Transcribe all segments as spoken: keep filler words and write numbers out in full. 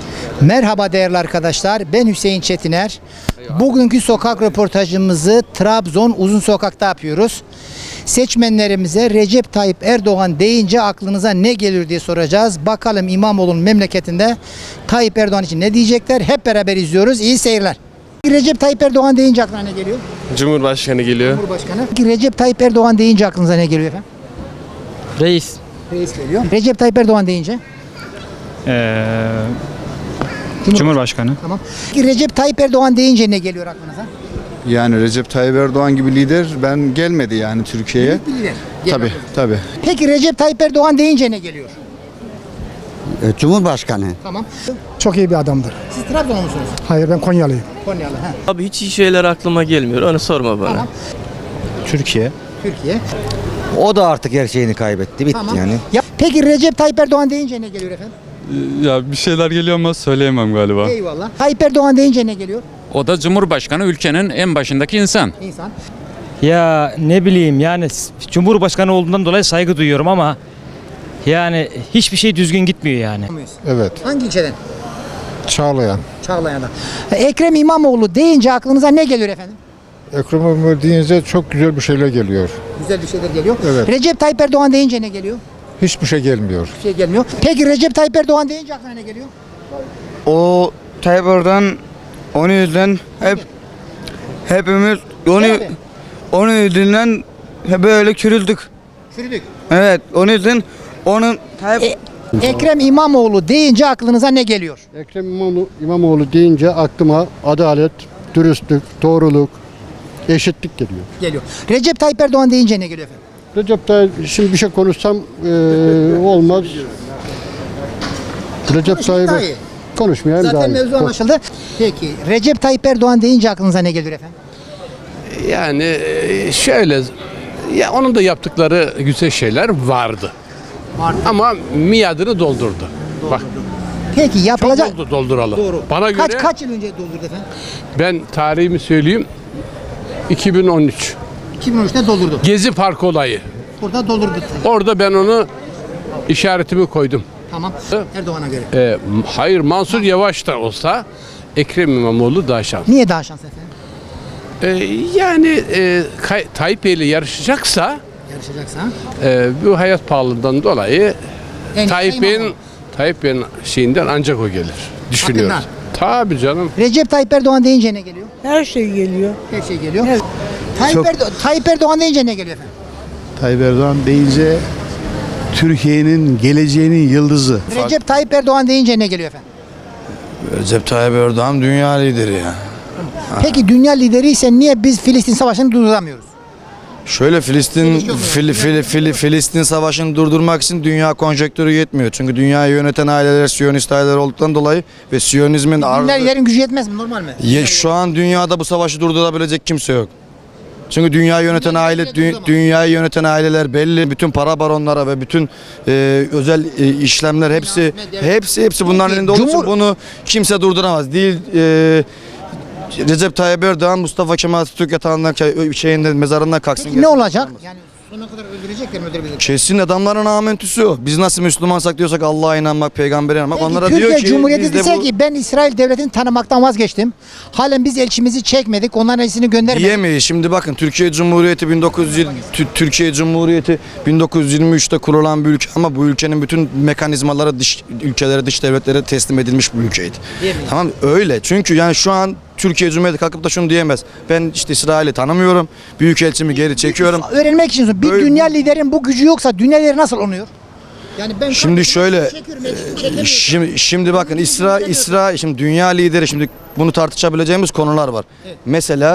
Merhaba değerli arkadaşlar, ben Hüseyin Çetiner. Bugünkü sokak röportajımızı Trabzon Uzun Sokak'ta yapıyoruz. Seçmenlerimize Recep Tayyip Erdoğan deyince aklınıza ne gelir diye soracağız. Bakalım İmamoğlu'nun memleketinde Tayyip Erdoğan için ne diyecekler? Hep beraber izliyoruz. İyi seyirler. Recep Tayyip Erdoğan deyince aklına ne geliyor? Cumhurbaşkanı geliyor. Cumhurbaşkanı. Recep Tayyip Erdoğan deyince aklınıza ne geliyor efendim? Reis. Reis geliyor. Recep Tayyip Erdoğan deyince? Ee, Cumhurbaşkanı. Cumhurbaşkanı. Tamam. Recep Tayyip Erdoğan deyince ne geliyor aklınıza? Yani Recep Tayyip Erdoğan gibi lider ben gelmedi yani Türkiye'ye. Büyük bir lider. Gel Tabii bakalım. tabii. Peki Recep Tayyip Erdoğan deyince ne geliyor? Cumhurbaşkanı. Tamam. Çok iyi bir adamdır. Siz Trabzonlu musunuz? Hayır, ben Konyalıyım. Konyalı. He. Abi hiç iyi şeyler aklıma gelmiyor. Onu sorma bana. Tamam. Türkiye. Türkiye. O da artık her şeyini kaybetti. Bitti Tamam. yani. Ya, peki Recep Tayyip Erdoğan deyince ne geliyor efendim? Ya bir şeyler geliyor ama söyleyemem galiba. Eyvallah. Tayyip Erdoğan deyince ne geliyor? O da Cumhurbaşkanı, ülkenin en başındaki insan. İnsan. Ya ne bileyim yani Cumhurbaşkanı olduğundan dolayı saygı duyuyorum ama yani hiçbir şey düzgün gitmiyor yani. Evet. Hangi ilçeden? Çağlayan. Çağlayan'da. Ekrem İmamoğlu deyince aklınıza ne geliyor efendim? Ekrem İmamoğlu deyince çok güzel bir şeyler geliyor. Güzel bir şeyler geliyor. Evet. Recep Tayyip Erdoğan deyince ne geliyor? Hiçbir şey gelmiyor. Bir şey gelmiyor. Peki Recep Tayyip Erdoğan deyince aklına ne geliyor? O Tayyip Erdoğan onun yüzünden hep hepimiz onu Abi. onun yüzünden hep böyle çürüldük. Çürüdük. Evet, onun yüzden onun Tayyip E, Ekrem İmamoğlu deyince aklınıza ne geliyor? Ekrem İmamoğlu, İmamoğlu deyince aklıma adalet, dürüstlük, doğruluk, eşitlik geliyor. Geliyor. Recep Tayyip Erdoğan deyince ne geliyor efendim? Recep Tayyip, şimdi bir şey konuşsam eee, olmaz. Recep Konuşmayın daha iyi. Tayyip konuşmayayım daha Zaten iyi. mevzu anlaşıldı. Peki Recep Tayyip Erdoğan deyince aklınıza ne geliyor efendim? Yani e, şöyle, ya onun da yaptıkları güzel şeyler vardı. Vardı. Ama miadını doldurdu. Bak, Peki çok yapılacak... oldu dolduralı. Doğru. Bana göre Kaç kaç yıl önce doldurdu efendim? ben tarihimi söyleyeyim. iki bin on üç. iki bin on üçte doldurdu. Gezi Parkı olayı. Burada doldurdu. Orada ben onu işaretimi koydum. Tamam. Erdoğan'a göre. E, hayır, Mansur Yavaş da olsa Ekrem İmamoğlu daha şanslı. Niye daha şanslı efendim? E, yani e, Kay- Tayyip Bey'le yarışacaksa Yarışacaksa. e, bu hayat pahalılığından dolayı En Tayyip iyisi Bey'in İmamoğlu. Tayyip Bey'in şeyinden ancak o gelir. Düşünüyorum. Hakkından. Tabii canım. Recep Tayyip Erdoğan deyince ne geliyor? Her şey geliyor. Her şey geliyor. Tayyip, Erdo- Tayyip Erdoğan deyince ne geliyor efendim? Tayyip Erdoğan deyince Türkiye'nin geleceğinin yıldızı. Recep Tayyip Erdoğan deyince ne geliyor efendim? Recep Tayyip Erdoğan dünya lideri ya. Peki dünya lideriyse niye biz Filistin Savaşı'nı durduramıyoruz? Şöyle Filistin Fil, Fil, Fil, Filistin savaşını durdurmak için dünya konjektörü yetmiyor. Çünkü dünyayı yöneten aileler Siyonist aileler olduktan dolayı ve Siyonizmin Dünya ardı, liderin gücü yetmez mi? Normal mi? Ye- şu an dünyada bu savaşı durdurabilecek kimse yok. Çünkü dünyayı yöneten Dünya aile lideri dü- duramaz. dünyayı yöneten aileler belli, bütün para baronlara ve bütün e, özel e, işlemler hepsi medya- hepsi hepsi bunların Peki, elinde olduğu için Cumhur- bunu kimse durduramaz. Değil e, Recep Tayyip Erdoğan Mustafa Kemal Atatürk yatağından şeyinden mezarından kalksın. Peki ne gelsin. olacak? Yani sonuna kadar öldürecekler mi öldürebilecekler? Kesin adamların amentüsü o. Biz nasıl Müslümansak diyorsak Allah'a inanmak, peygambere inanmak. Peki, Onlara Türkiye diyor ki Cumhuriyeti biz de dese bu ki ben İsrail devletini tanımaktan vazgeçtim. Halen biz elçimizi çekmedik. Onların elçisini göndermedik. diyemeyiz. Şimdi bakın Türkiye Cumhuriyeti bin dokuz yüz yirmi Tü- Türkiye Cumhuriyeti bin dokuz yüz yirmi üçte kurulan bir ülke ama bu ülkenin bütün mekanizmaları dış ülkelere, dış devletlere teslim edilmiş bir ülkeydi. Diyemeyiz. Tamam öyle. Çünkü yani şu an Türkiye Cumhuriyeti kalkıp da şunu diyemez. Ben işte İsrail'i tanımıyorum. Büyükelçimi geri çekiyorum. Öğrenmek için bir Böyle- dünya liderin bu gücü yoksa dünya lideri nasıl oluyor? Yani ben Şimdi şöyle çekiyorum, elçisini çekemiyorum. Şimdi, şimdi bakın İsra İsra şimdi dünya lideri şimdi bunu tartışabileceğimiz konular var. Mesela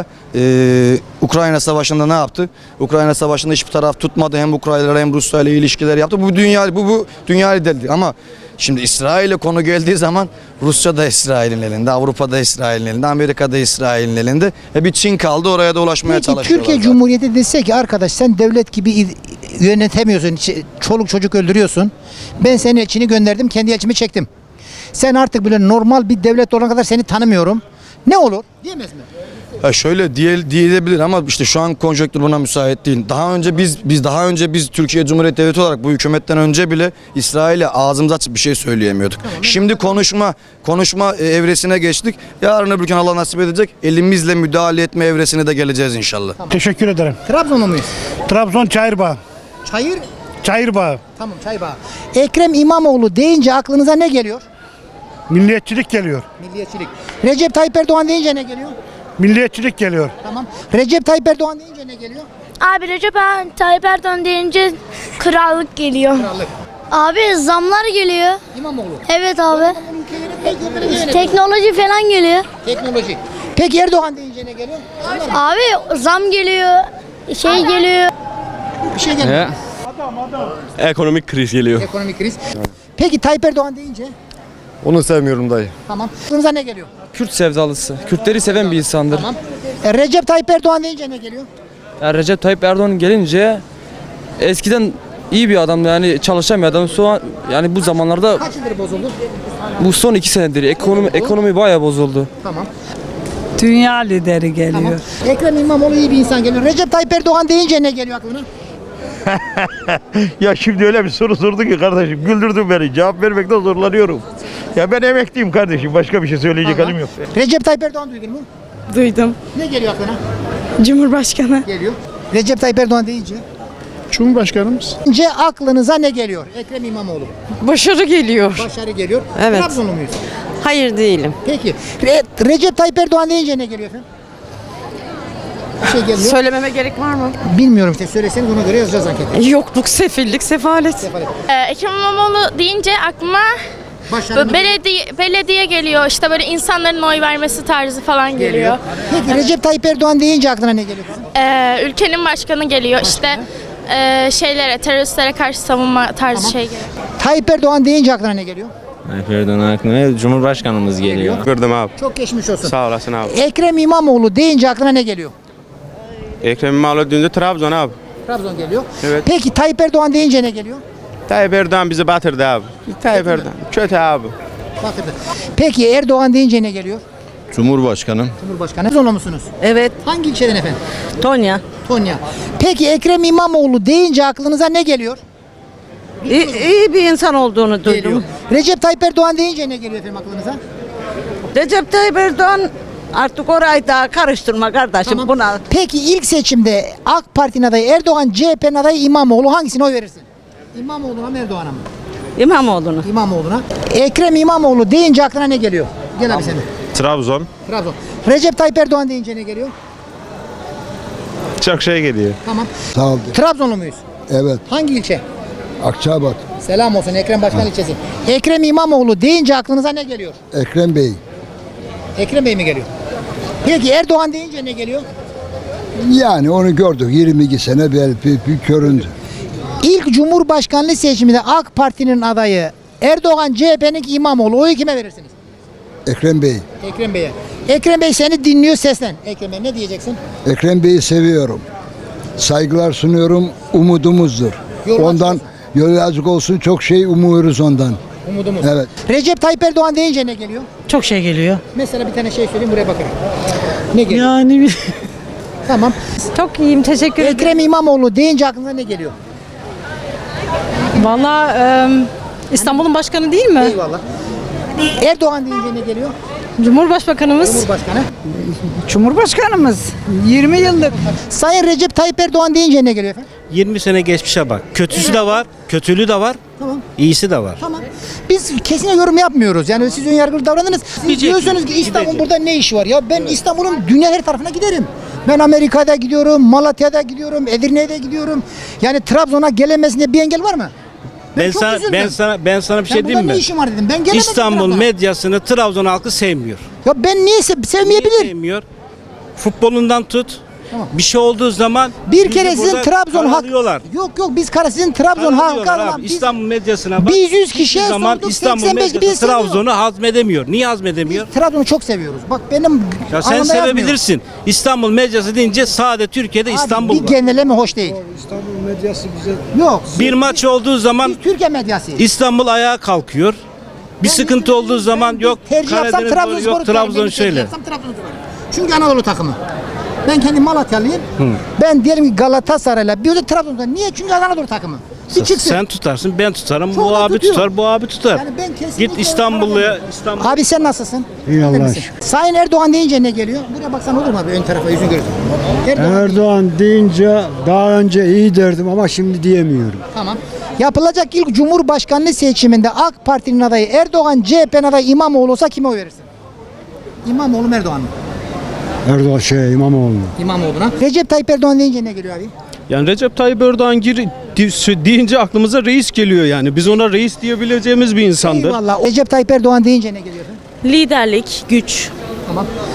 e, Ukrayna Savaşı'nda ne yaptı? Ukrayna Savaşı'nda hiçbir taraf tutmadı. Hem Ukraynalar hem Rusya ile ilişkiler yaptı. Bu dünya bu bu dünya lideri ama şimdi İsrail'e konu geldiği zaman Rusya da İsrail'in elinde, Avrupa da İsrail'in elinde, Amerika da İsrail'in elinde. E bir Çin kaldı oraya da ulaşmaya Peki çalışıyorlar. Türkiye zaten. Cumhuriyeti dese ki arkadaş sen devlet gibi id- yönetemiyorsun, ç- çoluk çocuk öldürüyorsun. Ben senin elçini gönderdim, kendi elçimi çektim. Sen artık böyle normal bir devlet olana kadar seni tanımıyorum. Ne olur? Diyemez mi? Ha şöyle diye diyebilir ama işte şu an konjonktür buna müsait değil. Daha önce biz biz daha önce biz Türkiye Cumhuriyeti Devleti olarak bu hükümetten önce bile İsrail'e ağzımızı açıp bir şey söyleyemiyorduk. Şimdi konuşma konuşma e, evresine geçtik. Yarın öbür gün Allah nasip edecek elimizle müdahale etme evresine de geleceğiz inşallah. Teşekkür ederim. Trabzonlu muyuz? Trabzon Çayırbağ. Çayır. Çayırbağ. Tamam Çaybağ. Ekrem İmamoğlu deyince aklınıza ne geliyor? Milliyetçilik geliyor. Milliyetçilik. Recep Tayyip Erdoğan deyince ne geliyor? Milliyetçilik geliyor. Tamam. Recep Tayyip Erdoğan deyince ne geliyor? Abi Recep Tayyip Erdoğan deyince krallık geliyor. Krallık. Abi zamlar geliyor. İmamoğlu. Evet abi. İmamoğlu ülkeyi yönetmek, yönetmek. Teknoloji falan geliyor. Teknoloji. Peki Erdoğan deyince ne geliyor? Abi zam geliyor. Şey geliyor. Bir şey geliyor. Ekonomik kriz geliyor. Ekonomik kriz. Peki Tayyip Erdoğan deyince? Onu sevmiyorum dayı. Tamam. Aklınıza ne geliyor? Kürt sevdalısı. Kürtleri seven bir insandır. Tamam. E, Recep Tayyip Erdoğan deyince ne geliyor? Ya Recep Tayyip Erdoğan gelince eskiden iyi bir adamdı yani çalışan bir adam. Şu an yani bu zamanlarda Kaç yıldır bozuldu? bu son iki senedir ekonomi ekonomi bayağı bozuldu. Tamam. Dünya lideri geliyor. Tamam. Ekrem İmamoğlu iyi bir insan geliyor. Recep Tayyip Erdoğan deyince ne geliyor aklına? Ya şimdi öyle bir soru sordu ki kardeşim güldürdün beni. Cevap vermekte zorlanıyorum. Ya ben emekliyim kardeşim. Başka bir şey söyleyecek Tamam. halim yok. Recep Tayyip Erdoğan duydun mu? Duydum. Ne geliyor aklına? Cumhurbaşkanı. Geliyor. Recep Tayyip Erdoğan deyince? Cumhurbaşkanımız. Deyince aklınıza ne geliyor? Ekrem İmamoğlu. Başarı geliyor. Başarı geliyor. Evet. Trabzonlu muyuz? Hayır değilim. Peki. Re- Recep Tayyip Erdoğan deyince ne geliyor efendim? Bir şey geliyor. Söylememe gerek var mı? Bilmiyorum işte söyleseniz ona göre yazacağız anketi. Yokluk, sefillik, sefalet. Ekrem İmamoğlu deyince aklıma Başarı belediye, belediye geliyor. İşte böyle insanların oy vermesi tarzı falan geliyor. geliyor. Peki Recep Tayyip Erdoğan deyince aklına ne geliyor kızım? Ee, ülkenin başkanı geliyor. İşte e, şeylere, teröristlere karşı savunma tarzı Tamam. şey geliyor. Tayyip Erdoğan deyince aklına ne geliyor? Tayyip Erdoğan aklına Cumhurbaşkanımız geliyor. Gördüm abi. Çok geçmiş olsun. Sağ olasın abi. Ekrem İmamoğlu deyince aklına ne geliyor? Ekrem İmamoğlu dün de Trabzon abi. Trabzon geliyor. Evet. Peki Tayyip Erdoğan deyince ne geliyor? Tayyip Erdoğan bizi batırdı abi. Tayyip Erdoğan. Kötü abi. Batırdı. Peki Erdoğan deyince ne geliyor? Cumhurbaşkanı. Cumhurbaşkanı. Trabzonlu musunuz? Evet. Hangi ilçeden efendim? Tonya. Tonya. Peki Ekrem İmamoğlu deyince aklınıza ne geliyor? İyi, iyi bir insan olduğunu Geliyor. Recep Tayyip Erdoğan deyince ne geliyor efendim aklınıza? Recep Tayyip Erdoğan artık orayı daha karıştırma kardeşim Tamam. buna. Peki ilk seçimde AK Parti'nin adayı Erdoğan, C H P'nin adayı İmamoğlu hangisine oy verirsin? İmamoğlu'na mı Erdoğan'a mı? İmamoğlu'nu. İmamoğlu'na. Ekrem İmamoğlu deyince aklına ne geliyor? Gel abi sen de. Trabzon. Trabzon. Recep Tayyip Erdoğan deyince ne geliyor? Çok şey geliyor. Tamam. Sağ ol. Trabzonlu muyuz? Evet. Hangi ilçe? Akçabat. Selam olsun Ekrem Başkan ilçesi. Ekrem İmamoğlu deyince aklınıza ne geliyor? Ekrem Bey. Ekrem Bey mi geliyor? Peki Erdoğan deyince ne geliyor? Yani onu gördük. yirmi iki sene bir, bir, bir köründü. İlk Cumhurbaşkanlığı seçiminde AK Parti'nin adayı Erdoğan, C H P'nin İmamoğlu. Oyu kime verirsiniz? Ekrem Bey. Ekrem Bey'e. Ekrem Bey seni dinliyor seslen. Ekrem Bey ne diyeceksin? Ekrem Bey'i seviyorum. Saygılar sunuyorum. Umudumuzdur. Yol Ondan yol açık olsun. Çok şey umuyoruz ondan. Umudumuz. Evet. Recep Tayyip Erdoğan deyince ne geliyor? Çok şey geliyor. Mesela bir tane şey söyleyeyim buraya bakın. Ne geliyor? Yani Tamam. çok iyiyim teşekkür ederim. Ekrem İmamoğlu deyince aklına ne geliyor? Valla İstanbul'un başkanı değil mi? Eyvallah. Erdoğan deyince ne geliyor? Cumhurbaşkanımız. Cumhurbaşkanı. Cumhurbaşkanımız. yirmi yıllık. Sayın Recep Tayyip Erdoğan deyince ne geliyor efendim? yirmi sene geçmişe bak. Kötüsü de var, kötülüğü de var, Tamam. iyisi de var. Tamam. Biz kesin yorum yapmıyoruz. Yani siz önyargılı davranınız. Siz diyorsunuz ki İstanbul burada ne iş var? Ya ben İstanbul'un dünya her tarafına giderim. Ben Amerika'da gidiyorum, Malatya'da gidiyorum, Edirne'de gidiyorum. Yani Trabzon'a gelemesinde bir engel var mı? Ben çok sana üzüldüm. ben sana ben sana bir Ben şey burada diyeyim ne mi? işim var dedim. Ben gelemedim İstanbul Trabzon'a. medyasını Trabzon halkı sevmiyor. Ya ben niye se- Niye sevmeyebilir? sevmiyor? Futbolundan tut. Tamam. Bir şey olduğu zaman Bir bizi kere sizin burada Trabzon halkı. karalıyorlar. Yok yok biz kara sizin Trabzon halkı Karalıyorlar olan abi. biz, İstanbul medyasına bak. biz yüz hiçbir kişiye zaman sorduk, İstanbul seksen beş medyası biz seviyor. Trabzon'u hazmedemiyor. Niye hazmedemiyor? biz Trabzon'u çok seviyoruz. Bak benim Ya sen anlamda yazmıyor. sevebilirsin. İstanbul medyası deyince sade Türkiye'de Abi, İstanbul bir var. genelleme hoş değil. İstanbul medyası bize Yok. Bir maç olduğu zaman Biz Türkiye medyası. İstanbul ayağa kalkıyor. Bir sıkıntı olduğu zaman yok tercih yapsam Karadeniz doğru, Trabzonspor'u yok Trabzon tercih şöyle. yapsam Trabzonspor'u. Çünkü Anadolu takımı. Ben kendim Malatyalıyım. Ben diyelim ki Galatasaray'la bir de Trabzon'da. Niye? Çünkü Anadolu takımı. Bir çıksın. Sen tutarsın, ben tutarım, Çok bu da abi tutuyor. tutar, bu abi tutar. Yani ben kesinlikle Git İstanbul'a, İstanbul. Abi sen nasılsın? İyi Öyle Allah'a misin? Sayın Erdoğan deyince ne geliyor? Buraya baksan olur mu abi ön tarafa yüzün görürsün. Erdoğan. Erdoğan deyince daha önce iyi derdim ama şimdi diyemiyorum. Tamam. Yapılacak ilk Cumhurbaşkanlığı seçiminde AK Parti'nin adayı Erdoğan, C H P'nin adayı İmamoğlu olsa kime oy verirsin? İmamoğlu mu Erdoğan mı? Erdoğan şey İmamoğlu. İmamoğlu'na. Recep Tayyip Erdoğan deyince ne geliyor abi? Yani Recep Tayyip Erdoğan gir, di- deyince aklımıza reis geliyor yani. Biz ona reis diyebileceğimiz bir insandır. Eyvallah. Recep Tayyip Erdoğan deyince ne geliyor efendim? Liderlik, güç. Tamam.